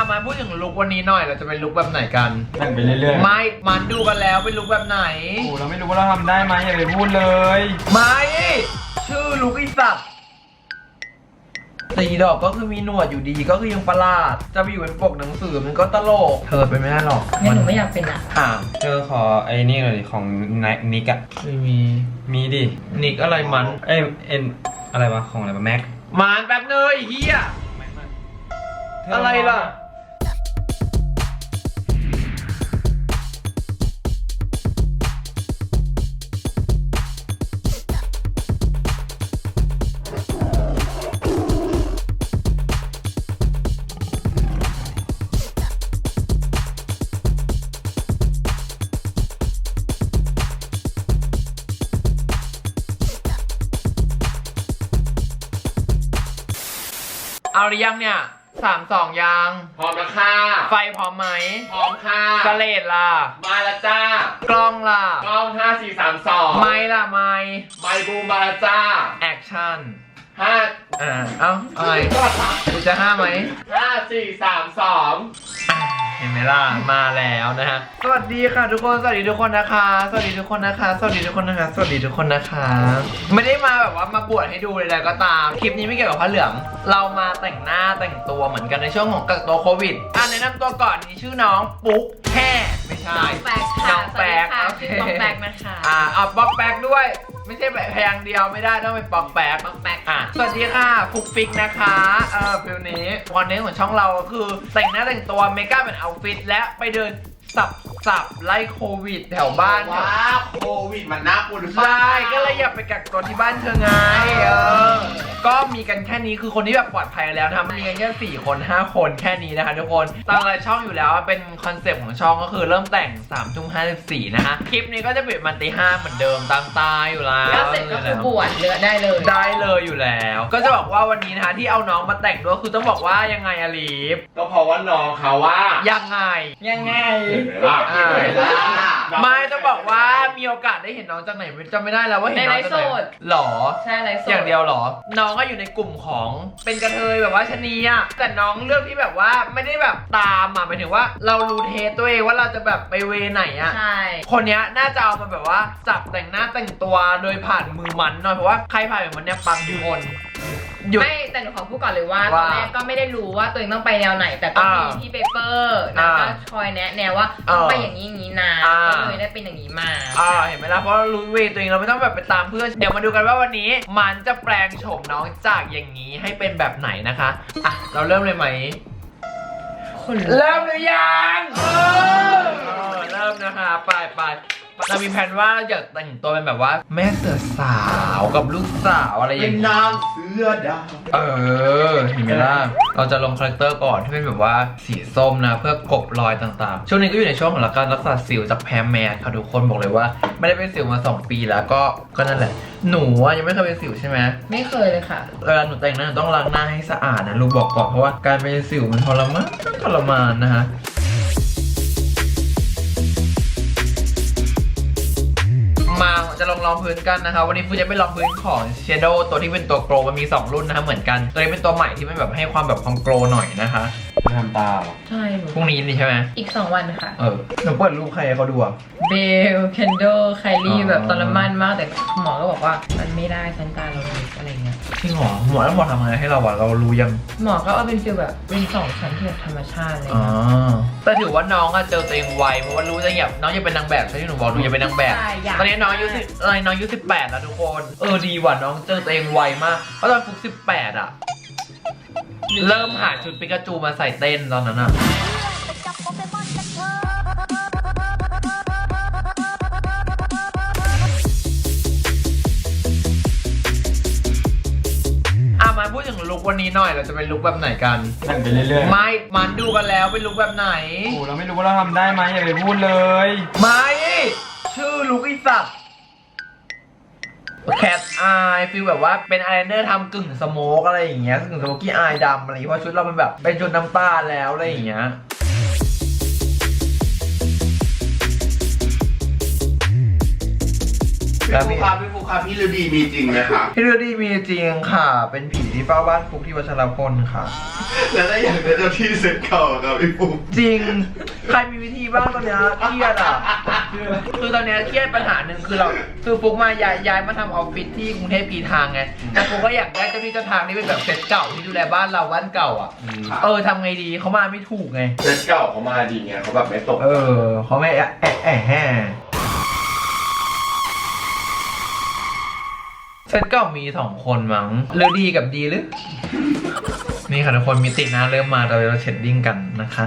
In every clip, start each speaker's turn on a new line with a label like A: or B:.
A: มาพูดถึงลุควันนี้หน่อยเราจะเป็นลุคแบบไหนกัน
B: แต่งไปเรื่อยๆ
A: ไม่มันดูกันแล้วเป็นลุคแบบไหน
B: โอ้เราไม่รู้ว่าเราทำได้ไหมอย่าไปพูดเลย
A: ไม่ชื่อลุคอีสัตว์ตีดอกก็คือมีหนวดอยู่ดีก็คือยังประหลาดจะไปอยู่เป็นปกหนังสือมันก็ตลกเธอเป็นไม่ได้หรอก
C: งั้นหนูไม่อยากเป็นอ่ะ
B: เธอขอไอ้นี่หน่อยดิของนิกอะ
A: ไม่มี
B: มีดิ
A: นิกอะไรมัน
B: เอ็นอะไรวะของอะไรวะแม็ก
A: มันแป๊บเนยเฮียอะไรล่ะเอาหรือยังเนี่ย3-2ยัง
D: พร้อมแล้วค่ะ
A: ไฟพร้อมไหม
D: พร้อมค่ะ
A: สเลดล่ะ
D: มาแล้วจ้าก
A: ล้องล่ะ
D: กล้อง5 4 3 2
A: ไม้ล่ะไม้
D: ไมค์บูมมาแล้วจ้า
A: แอคชั่น
D: 5
A: เอ้าอะไรกูจะ5ไหม
D: 5 4 3 2
A: เห็นไหมล่ะมาแล้วนะฮะสวัสดีค่ะทุกคนสวัสดีทุกคนนะคะสวัสดีทุกคนนะคะสวัสดีทุกคนนะคะสวัสดีทุกคนนะคะไม่ได้มาแบบว่ามาบวชให้ดูเลยก็ตามคลิปนี้ไม่เกี่ยวกับพระเหลืองเรามาแต่งหน้าแต่งตัวเหมือนกันในช่วงของกักตัวโควิดแนะนำตัวก่อนนี่ชื่อน้องปุ๊กแค่ไม่ใช่
C: แปลกค่ะ
A: น้องแปลก
C: สวัสดีค่ะชื่อป๊อกแปลกนะคะ
A: เอาป๊อกแปลกด้วยไม่ใช่แบบพยางค์เดียวไม่ได้ต้องเป็นป๊อกแปลก
C: ป๊อกแปลก
A: สวัสดีค่ะฟุกฟิกนะคะฟิลนี้วันนี้ของช่องเราก็คือแต่งหน้าแต่งตัวเมคอัพเป็นเอาท์ฟิตและไปเดินสับไล่โควิดแถวบ้าน
D: ว้าโควิดมันน่ากลัวหรือเป
A: ใช่
D: ล่า
A: ก็เลยอยากไปกักตัวที่บ้านเธอไงก็มีกันแค่นี้คือคนที่แบบปลอดภัยแล้วนะมีกันแค่4 คน 5 คนแค่นี้นะคะทุกคนตามรายช่องอยู่แล้วเป็นคอนเซปต์ของช่องก็คือเริ่มแต่ง3:54นะคะคลิปนี้ก็จะเป็นมันตี 5เหมือนเดิมตามตาอยู่แล้ว
C: แล้วเสร็จก็คือบวชเลือได้เลย
A: ได้เลยอยู่แล้ว ก็จะบอกว่าวันนี้นะคะที่เอาน้องมาแต่งด้วยคือต้องบอกว่ายังไงอะลีฟ
D: ก็เพราะว่าน้องเขาว่า
A: ยังไง ไม่ต้องบอกว่ามีโอกาสได้เห็นน้องจากไหนจำไม่ได้แล้วว่าเห็นน้องจากไหนหรอ
C: ใช่ไรโสด
A: อย่างเดียวหรอ น้องก็อยู่ในกลุ่มของเป็นกระเทยแบบว่าชะนีอะแต่น้องเลือกที่แบบว่าไม่ได้แบบตามอะหมายถึงว่าเรารู้เทสตัวเองว่าเราจะแบบไปเวไหนอะ
C: ใช่
A: คนเนี้ยน่าจะเอามาแบบว่าจับแต่งหน้าแต่งตัวโดยผ่านมือมันหน่อยเพราะว่าใครผ่านมือมันเนี่ยปังทุกคนหยุด
C: ไม่แต่หนูขอพูดก่อนเลยว่าต
A: ว่า
C: อนแรกก็ไม่ได้รู้ว่าตัวเองต้องไปแนวไหน แต่ก็มีพี่เปเปอร์นะก็คอยแนะแนวว่าต้องไปอย่างนี้อย่างนี้นะก็เลยได้เป็นอย่างนี้มา
A: เห็นไหมล่ะเพราะเรารู้เวตัวเองเราไม่ต้องแบบไปตามเพื่อนเดี๋ยวมาดูกันว่าวันนี้มันจะแปลงโฉมน้องจากอย่างนี้ให้เป็นแบบไหนนะคะเราเริ่มเลยไหมเริ่มหรือยังเริ่มนะคะไปเรามีแผนว่าอยากแต่งตัวเป็นแบบว่าแม่เสือสาวกับลูกสาวอะไรอ
D: เป็
A: ย่าน งนี้
D: นางเสือดาว
A: เห็นไหมล่ะเราจะลงคาแรคเตอร์ก่อนที่เป็นแบบว่าสีส้มนะเพื่อกลบรอยต่างๆช่วงนี้ก็อยู่ในช่วงของการรักษาสิวจากแพ้แมสค่ะทุกคนบอกเลยว่าไม่ได้เป็นสิวมา2 ปีแล้วก็นั่นแหละหนูยังไม่เคยเป็นสิวใช่ไหม
C: ไม่เคยเลยค่ะ
A: เวลาหนูแต่งหน้าหนูต้องล้างหน้าให้สะอาดนะลูกบอกก่อนเพราะว่าการเป็นสิวมันทรมานนะฮะมาจะลองรองพื้นกันนะคะวันนี้ฟูจะไปลองพื้นของ Shadow ตัวที่เป็นตัวโกลมันมี2 รุ่นนะคะเหมือนกันตัวนี้เป็นตัวใหม่ที่มันแบบให้ความแบบความโกลหน่อยนะคะ
B: ไม่ทำตาหรอ
C: ใช่หนู
A: พรุ่งนี้นี่ใช่ไหม
C: อีก2 วันค่ะ
A: หนูเปิดรูปใครให้เขาดูอ่ะ
C: เบลเคนโดไคลี่แบบทรมานมากแต่หมอก็บอกว่ามันไม่ได้ชั้นตาเราเล็กอะไรเงี้ย
A: จริงเหรอหมอแล้วหมอทำอะไรให้เราอ่ะเรารู้ยัง
C: หมอก็เอาเป็นฟีลแบบเป็น2 ชั้นที่แบบธรรมชาติเลย
A: แต่ถือว่าน้องอะเจอตัวเองไวเพราะว่ารู้จะอยากน้องอยากเป็นนางแบบใช่ที่หนูบอกหนูอยากเป็นนางแบบ
C: ใช่อยาก
A: ตอนนี้น้องอายุ18แล้วทุกคนดีว่ะน้องเจอตัวเองไวมากเพราะตอนฟุก18อะเริ่มหาชุดปิกาจูมาใส่เต้นตอนนั้นอะมาพูดถึงลุควันนี้หน่อยเราจะเป็นลุคแบบไหนกัน
B: แต่งไปเรื่อยๆ
A: ไม่มันดูกันแล้วเป็นลุคแบบไหน
B: โอ้เราไม่รู้ว่าเราทำได้ไหมอย่าไปพูดเลย
A: ไม่ชื่อลุคอีสัตว์แคทอายฟีลแบบว่าเป็นอายไลเนอร์ทำกึ่งสโมกอะไรอย่างเงี้ยกึ่งสโมกี้อายดำอะไรอย่างเงี้ยเพราะชุดเราเป็นแบบเป็นชุดน้ำตาลแล้วอะไรอย่างเงี้ย
B: เ
D: พี่ฟุกครับพี่ฤดีมีจริงไหมครับ
A: พี่ฤดีมีจริงค่ะ เป็นผีที่เฝ้าบ้านฟุกที่วัชรพลค่ะ
D: แล้วถ้าอยากได้เจ้าที่เซ็ตเก่าครับพี่ฟุก
A: จริง ใครมีวิธีบ้างตอนเนี้ยเครียดอ่ะ คือตอนเนี้ยเครียดปัญหาหนึ่งคือฟุกมาย้ายมาทำออฟฟิศที่กรุงเทพกีทางไงแต่ฟุกก็อยากได้เจ้าที่เจ้าทางที่เป็นแบบเซตเก่าที่ดูแลบ้านเราบ้านเก่าอ่ะ ทำไงดีเขามาไม่ถูกไง
D: เซ็ตเก่าเขามาดีไงเขาแบบไม่ตก
A: เขาไม่แห่เซตเก่ามี2 คนมั้งเลือดีกับดีหรือ นี่ค่ะทุกคนมิติหน้าเริ่มมาเราเชดดิ้งกันนะคะ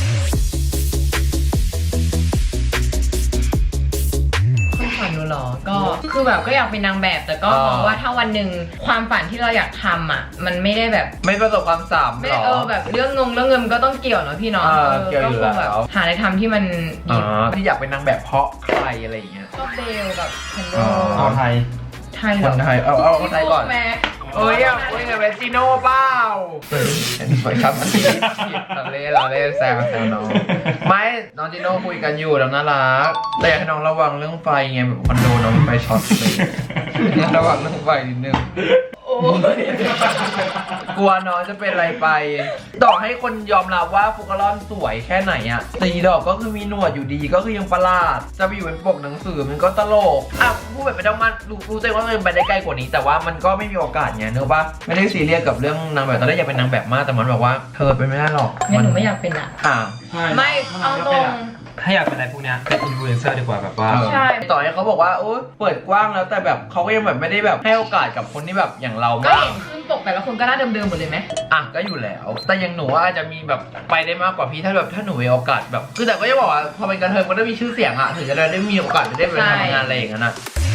C: ความฝันหนูเหรอ ก็คือแบบก็อยากเป็นนางแบบแต่ก็มองว่าถ้าวันหนึ่งความฝันที่เราอยากทำอ่ะ มันไม่ได้แบบ
A: ไม่ประสบความสำ
C: ไม่
A: เร็จหรอ
C: แบบเรื่องเงินก็ต้องเกี่ยวเนาะพี่เนาะ
A: เกี่ยวอยู่
C: ก็คงแบบ
A: แล้ว
C: หาอะไรทำที่มันดี
A: ที่อยากเป็นนางแบบเพราะใครอะไรอย่างเงี้ย
C: ก็เบลกับแคนโด
B: เอาไทย
C: ไทยเห
A: ค
C: รอน
A: ไทยเอาคนไทยก่อน
C: แม่
A: เอ้ยกับเรจิโน่เปล่าไปครับอันนี้เราเล่นแซวน้องไม่น้องจิโน่คุยกันอยู่แล้วน่ารักแต่อยากให้น้องระวังเรื่องไฟไงแบบคอนโดน้องมีไฟช็อตเลยระวังเรื่องไฟนิดนึง
C: โอ้ย
A: กลัวน้องจะเป็นอะไรไปต่อให้คนยอมรับว่าฟุกกะลอนสวยแค่ไหนอะตีดอกก็คือมีหนวดอยู่ดีก็คือยังประหลาดจะไปอยู่เป็นปกหนังสือมันก็ตลกอ่ะพูดแบบไม่ต้องมารู้ใจว่ามันไปได้ไกลกว่านี้แต่ว่ามันก็ไม่มีโอกาสไงเนอะปะไม่ได้ซีเรียสกับเรื่องนางแบบตอนแรกอยากเป็นนางแบบมากแต่มันบอกว่าเธอเป็นไม่ได้หรอก
C: งั้นหนูไม่อยากเป็นอ่ะ
A: อ่ะ
C: ไม่เอาตรง
B: ถ้าอยากเป็นอะไรพวกเนี้ยเป็นอินฟลูเอนเซอร์ดีกว่าแบบว่า
C: ใช่
A: ต่อให้เขาบอกว่าโอ๊ยเปิดกว้างแล้วแต่แบบเขาก็ยังแบบไม่ได้แบบให้โอกาสกับคนที่แบบอย่างเรา
C: ก็
A: มาก
C: เห็นขึ้นปกแต่ละคนก็หน้าเดิมๆหมดเลยไหม
A: อ่ะก็อยู่แล้ว แต่อยังหนูว่าอาจจะมีแบบไปได้มากกว่าพี่ถ้าหนูมีโอกาสแบบคือแต่ก็จะบอกว่าพอเป็นกระเทยมันก็มีชื่อเสียงอะถึงจะได้มีโอกาสได้ไปทำงานอะไรอย่างนั้นอะ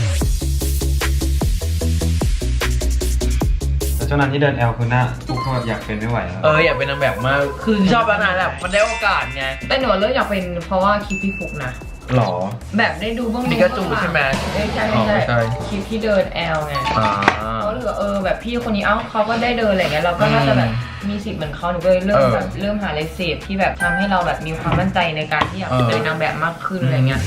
B: แต่เจ้านั้นที่เดินแอลคือหน้าทุกคนอยากเป็นไม่ไหวแล้ว
A: อยากเป็นนางแบบมากคือชอบแล้วนะแบบมันได้โอกาสไง
C: แต่หนูเลิกอยากเป็นเพราะว่าคลิปพี่ฟุกนะ
A: หรอ
C: แบบได้ดูบ้าง
A: ปิกาจูใช่ไหม
C: ใช่
A: อ๋อใช่
C: คลิปที่เดินแอลไง
A: อ่า
C: เขาเหลือแบบพี่คนนี้เขาก็ได้เดินอะไรเงี้ยเราก็น่าจะแบบมีสิทธิ์เหมือนเขาหนูก็เลยเริ่มหาอะไรเสพที่แบบทำให้เราแบบมีความมั่นใจในการที่อยากเป็นนางแบบมากขึ้นอะไรเงี้ย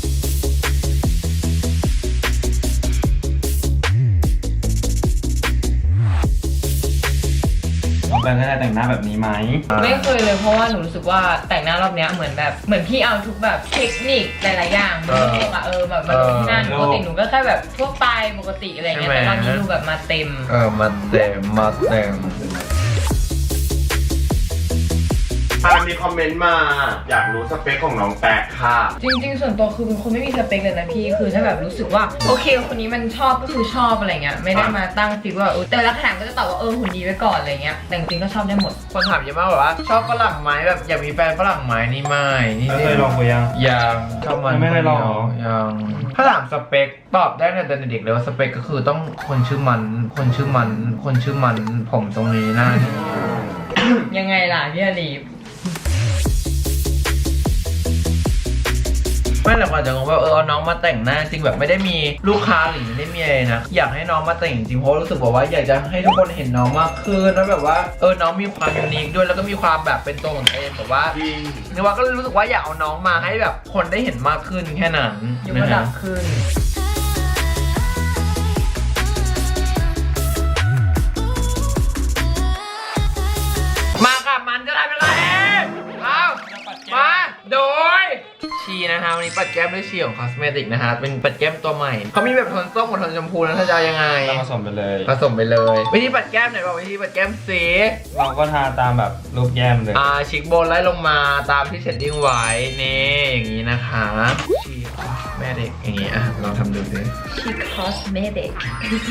B: น้องแปงได้แต่งหน้าแบบนี้ไหม
C: ไม่เคยเลยเพราะว่าหนูรู้สึกว่าแต่งหน้ารอบเนี้ยเหมือนพี่เอาทุกแบบเทคนิคหลายๆอย่างมาลงอะแบบมาลงที่นั่นปกติหนูก็แค่แบบทั่วไปปกติอะไรเงี้ยแต่รอบนี้ดูแบบมาเต็ม
A: มาเต็ม
D: มีคอมเมนต์มา อยากรู้สเปคของน้องแปะค่ะ
C: จริงๆส่วนตัวคือเป็นคนไม่มีสเปคเลยนะพี่คือถ้าแบบรู้สึกว่าโอเคคนนี้มันชอบก็คือชอบอะไรเงี้ยไม่ได้มาตั้งฟิกว่าแต่ละคำถามก็จะตอบว่าหุ่นดีไว้ก่อนอะไรเงี้ยแต่จริงๆก็ชอบได้หมด
A: คนถามเยอะมากแบบว่าชอบฝรั่งไหมแบบอยากมีแฟนฝรั่งไหมนี่ไม่นี่
B: เคยลองไปยัง
A: ยังชอบมัน
B: ไม่เคยลองเหรอ
A: ยังถ้าถามสเปคตอบได้ในแต่เด็กเลยว่าสเปคก็คือต้องคนชื่อมันผมตรงนี้หน้านี้
C: ยังไงล่ะพี่อลีฟ
A: ไม่หลักอาจจะงงว่าเอาน้องมาแต่งหน้าจริงแบบไม่ได้มีลูกค้าหรือไม่ได้มีอะไรนะอยากให้น้องมาแต่งจริงเพราะรู้สึกว่าอยากจะให้ทุกคนเห็นน้องมากขึ้นแล้วแบบว่าน้องมีความยูนิคด้วยแล้วก็มีความแบบเป็นตัวของตัวเองแบบว่า
D: จริง
A: นี่ว่าก็รู้สึกว่าอยากเอาน้องมาให้แบบคนได้เห็นมากขึ้นแค่นั้น
C: ยกระดับขึ้น
A: มาค่ะมันจะได้เป็นไรเอามาโดยชีนะคะวันนี้ปัดแก้มด้วยชีของคอสเมติกนะคะเป็นปัดแก้มตัวใหม่เขามีแบบโทนส้มกับโทนชมพูนะถ้าจะยังไง
B: เราผสมไปเลย
A: ผสมไปเลยวิธีปัดแก้มไหนบอกวิธีปัดแก้มสี
B: เราก็ทาตามแบบรูปแย้มเลย
A: ชิคโบนไล่ลงมาตามที่เชดดิ้งไว้นี่อย่างนี้นะคะชีแม่เด็กอย่างนี้ลองทำดูสิ
C: ชิคอสเมติก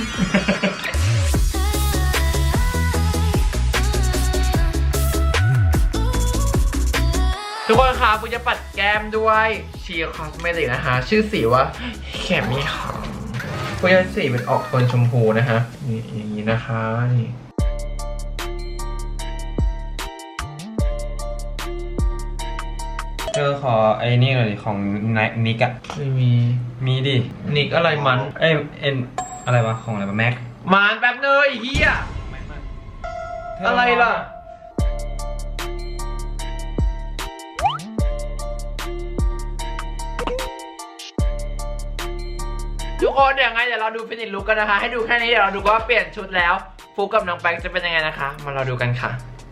A: ทุกคนคะกูจะปัดแก้มด้วยชีคอสเมติกนะคะชื่อสีว่าแคมมี่ค่ะกูจะสีเป็นออกโทนชมพูนะคะนี่อย่างนี้นะคะนี่
B: เธอขอไอ้นี่หน่อยดิของนิกอะ
A: ไม่มี
B: มีดิ
A: นิกอะไรมัน
B: เอ็นอะไรวะของอะไรวะแม็ก
A: มันแป๊บเนยเฮียอะไรล่ะทุกคนเดี๋ยวเราดูฟินิชลุกกันนะคะให้ดูแค่นี้เดี๋ยวเราดูว่าเปลี่ยนชุดแล้วฟุกกับน้องแป๊กจะเป็นยังไงนะคะมาเราดูกันค่ะ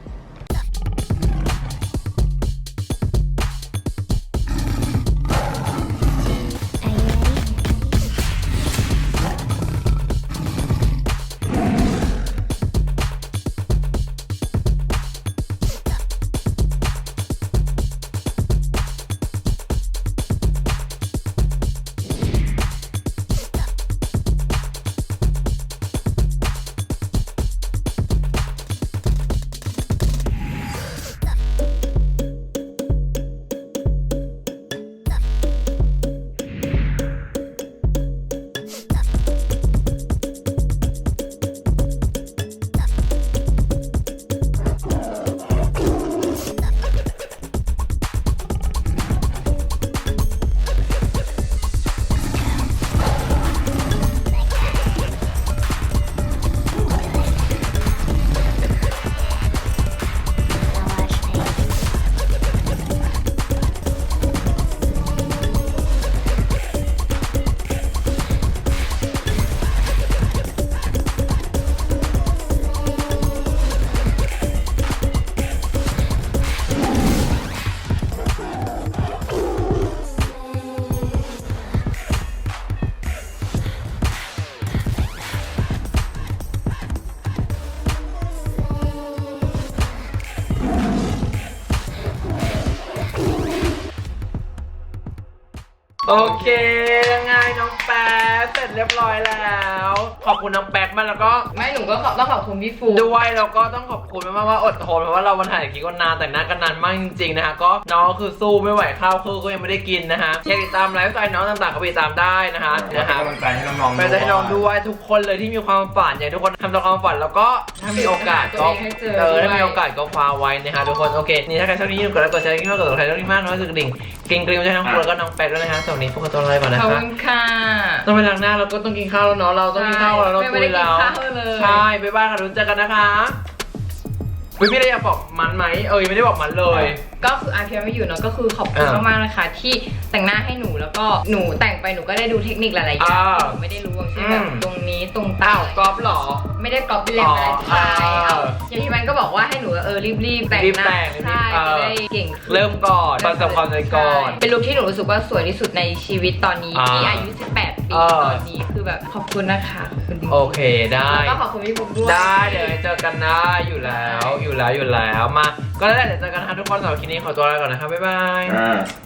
A: โอเคยังไงน้องแป๊กเสร็จเรียบร้อยแล้วขอบคุณน้องแป๊กมากแล้วก็
C: ไม่หนูก็ต้องขอบคุณพี่ฟู
A: ด้วยแล้วก็ต้องขอบคุณมากๆว่าอดทนเพราะว่าเราวันถ่ายคลิปกันนานแต่งหน้ากันนานมากจริงๆนะคะก็น้องคือสู้ไม่ไหวข้าวคือก็ยังไม่ได้กินนะคะอยากติดตามไลฟ์สไตล์น้องต่างๆก็ไปติดตามได้นะคะ
D: เป็นกำลังใจให้น้องๆ
A: ไปใจให้น้องด้วยทุกคนเลยที่มีความฝันอยากให้ทุกคนทำตามความฝันแล้วก็ถ้ามีโอกาสก็ถ้ามีโอกาสก็คว้าไว้นะคะทุกคนโอเคนี่ถ้าใครชอบนี้อย่าลืมกดไลค์กดแชร์ที่มากกดติดตามใครชอบนี้มากน้อยสุดดิ่งเก่งกริ้งใจน้องฟูแล้วก็น้องแป๊กด้วยนะคะสวัสดีพวกเราตัวอะไรก่อนนะ
C: ขอบ
A: คะ
C: คุณค่ะ
A: ต้องไปล้างหน้าแล้วก็ต้องกินข้าวแล้วเนาะเราต้องกินข้าวแล้วเรา
C: ไม่
A: คุ
C: ได้
A: ย
C: กิน
A: แล้ว
C: ข้าวเลย
A: ใช่บ๊ายบายค่ะทุกคนเจอกันนะคะพี่ได้อยากบอกมันไหมยังไม่ได้บอกมันเลย
C: ก็คืออาเพียไม่อยู่เนาะก็คือขอบคุณมากๆนะคะที่แต่งหน้าให้หนูแล้วก็หนูแต่งไปหนูก็ได้ดูเทคนิคหลายๆอย่างที่หนูไม่ได้รู้อย่างเช่นแบบตรงนี้ตรง
A: อ้า
C: เต้าว
A: กอล์ฟเหรอ
C: ไม่ได้ก๊อปปี้เลยมาใช่อย่างที่มันก็บอกว่าให้หนูรีบแต่งหน้าใช่จะได้เก่งขึ้น
A: เริ่มก่อนประสบความสำเร็จก่อน
C: เป็นลุคที่หนูรู้สึกว่าสวยที่สุดในชีวิตตอนนี้ที่อายุ 18 ปีตอนนี้คือแบบขอบคุณนะคะขอบคุณจริงๆ
A: โอเคได้
C: แล้วก็ขอบคุณพี่บุ๊กด้วย
A: ได้เดี๋ยวเจอกันนะอยู่แล้วมาก็แล้วแหละเดี๋ยวเจอกันนะคะทุกคนสำหรับคลิปนี้ขอตัวลาก่อนนะคะบ๊ายบาย
D: อ่า